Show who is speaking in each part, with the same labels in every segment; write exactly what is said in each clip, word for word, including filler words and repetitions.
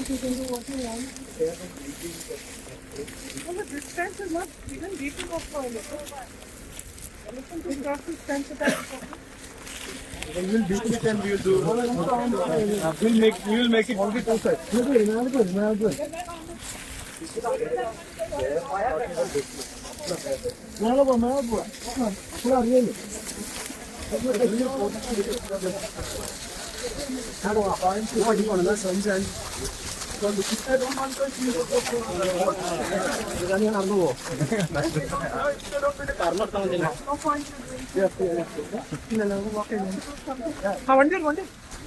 Speaker 1: want, you can do what you want. No, but this fence is not even deep enough for elephant. Elephant will cross this fence at that point.
Speaker 2: We will do it and we will do. We'll make. We will make it only two sides.
Speaker 1: How one day, one day.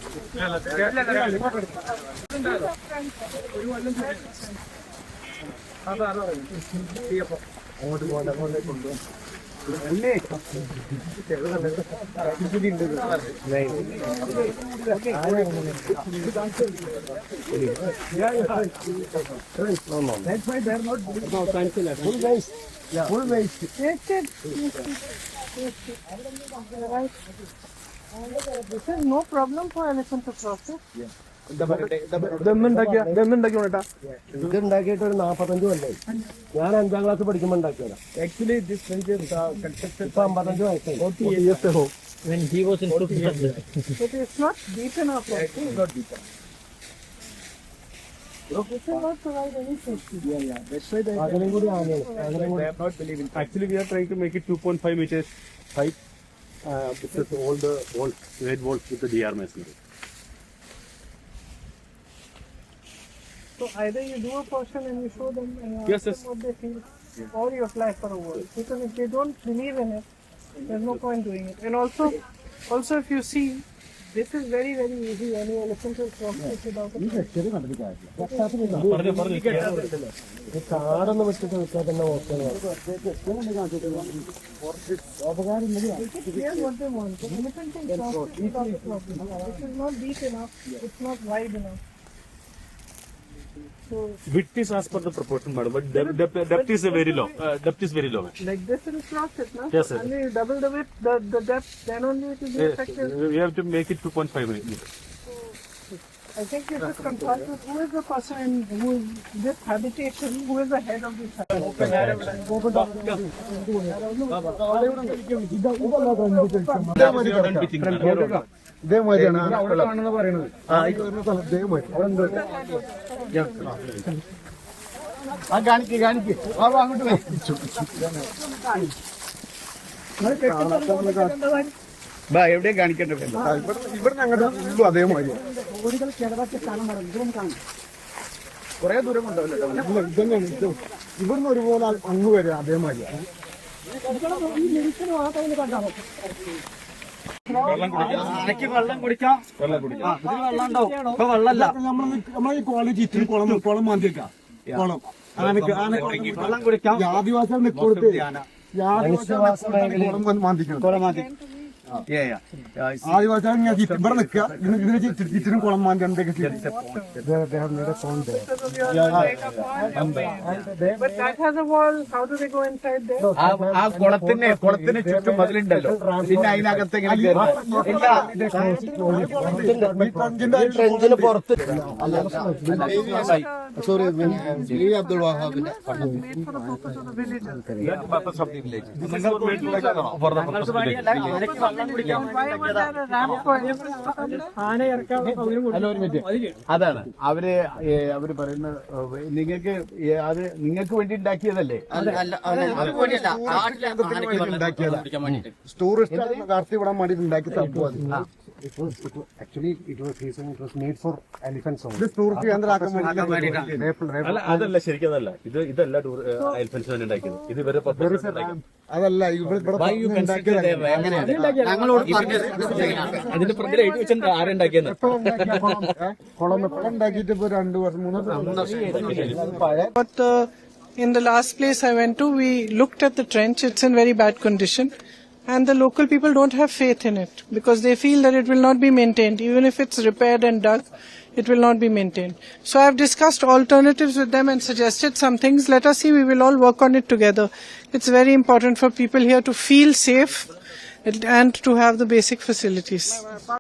Speaker 2: That's why they are not doing no cancel it. Full waste. Yeah. Full waste.
Speaker 1: Yes, yes, yes, yes. Right. This is no problem for elephant to cross it.
Speaker 2: Yeah. ഇതുണ്ടാക്കിയ ഇതുണ്ടാക്കിയിട്ട് ഒരു നാപ്പത്തഞ്ച് കൊല്ലായി. ഞാൻ അഞ്ചാം class പഠിക്കുമ്പോൾ ഉണ്ടാക്കിയതാ. Actually this fence ഇപ്പൊ അമ്പത്തഞ്ച് വയസ്സായി.
Speaker 3: When he was in fifth standard.
Speaker 1: But it's not deep enough.
Speaker 2: It's not deep.
Speaker 1: This will not provide any safety.
Speaker 2: Yeah, yeah. That's why they അതിനും കൂടി ആനയാണ്. അതിനും കൂടി not believing.
Speaker 4: Actually, we are trying to make it two point five meters height. Uh, this is all the walls, red walls with the D R masonry.
Speaker 1: So either you do a portion and you show them and you
Speaker 4: Yes,
Speaker 1: ask
Speaker 4: yes.
Speaker 1: them what they feel, or you apply for a wall. Because if they don't believe in it, there's no point doing it. And also, also if you see, this is very very easy. Any elephant will cross it without a
Speaker 2: കാടൊന്നും വെച്ചിട്ട് നിൽക്കാൻ തന്നെ നോക്കണം.
Speaker 1: Here's what they want. The elephant can cross it without a problem. This is not deep enough. It's not wide enough. So
Speaker 4: Width is as per the proportion, madam, but depth, depth, depth is a very low. Uh, depth is very low.
Speaker 1: like this it will cross it, no?
Speaker 4: Yes, sir.
Speaker 1: And you double the width, the, the depth, then only it will be
Speaker 4: Yes,
Speaker 1: effective.
Speaker 4: we have to make it two point five meters.
Speaker 1: I think you should consult with who is the person in who is this habitation, who is the head of this habitation.
Speaker 2: ഇതേമാതിരിയാണ് പറയുന്നത്. ആ കാണിക്ക് കാണിക്ക് അങ്ങോട്ട് എവിടെയും കാണിക്കണ്ട. ഇവിടെ ഞങ്ങളുടെ ഉള്ളു അതേമാതിരി കൊറേ ദൂരം കൊണ്ടുപോകല്ലോ. ഇതന്നെയാണ് ഇവിടുന്ന് ഒരുപോലെ അങ്ങ് വരെ അതേമാതിരിയാണ്.
Speaker 3: വെള്ളം കുടിക്കാം. വെള്ളം കുടിക്കാം. വെള്ളം ഉണ്ടാവും. ഇപ്പൊ വെള്ളമല്ല.
Speaker 2: നമ്മളെ ഈ കോളേജ് ഇത്തിരി കുളം കുളം മാന്തിയേക്കാം. കുളം ആനക്ക് ആന
Speaker 3: വെള്ളം കുടിക്കാം.
Speaker 2: ആദിവാസികൾ നിൽക്കൊടുത്ത് കുളം മാന്തിക്കണം. കുളം മാന്തി ആദിവാസികൾ ഇവിടെ നിൽക്കുക. ഇതിനെ ചുറ്റിനും കുളം മാന്തി എന്തൊക്കെ
Speaker 1: But that has a wall. How do they go inside there?
Speaker 3: ആ കുളത്തിന് കുളത്തിന് ചുറ്റും മതിലുണ്ടല്ലോ. പിന്നെ അതിനകത്ത് ഇങ്ങനെ ട്രെഞ്ചിന് പുറത്ത്
Speaker 2: സോറി അബ്ദുൾ വഹാബിന്റെ
Speaker 1: Made for the purpose of the villagers. Why was there a ramp for
Speaker 3: അതാണ് അവര് അവര് പറയുന്ന നിങ്ങൾക്ക് അത് നിങ്ങൾക്ക് വേണ്ടി ഉണ്ടാക്കിയതല്ലേ?
Speaker 2: ടൂറിസ്റ്റ് കാർത്തി വിടാൻ വേണ്ടി ഉണ്ടാക്കി തപ്പു. അത്
Speaker 5: Actually, it was reason it was made for elephants only.
Speaker 2: ഇത് ടൂറിസ്റ്റ് കേന്ദ്രമാക്കാൻ വേണ്ടി.
Speaker 4: അല്ല അതല്ല ശരിക്കും അതല്ല ഇത് ഇതല്ല എലിഫൻസ് തന്നെ ഉണ്ടാക്കിയത്. ഇത് ഇവരെ
Speaker 2: അതല്ല ഇവിടെ
Speaker 4: അതിന്റെ പ്രതിൽ എഴുതി വെച്ചാൽ ആരുണ്ടാക്കിയെന്ന്
Speaker 2: കുളം ഉണ്ടാക്കിയിട്ട് ഇപ്പൊ രണ്ടു വർഷം മൂന്ന് വർഷം.
Speaker 1: But uh, in the last place I went to, we looked at the trench. It's in very bad condition. And the local people don't have faith in it because they feel that it will not be maintained. Even if it's repaired and dug, it will not be maintained. So I've discussed alternatives with them and suggested some things. Let us see, we will all work on it together. It's very important for people here to feel safe and to have the basic facilities.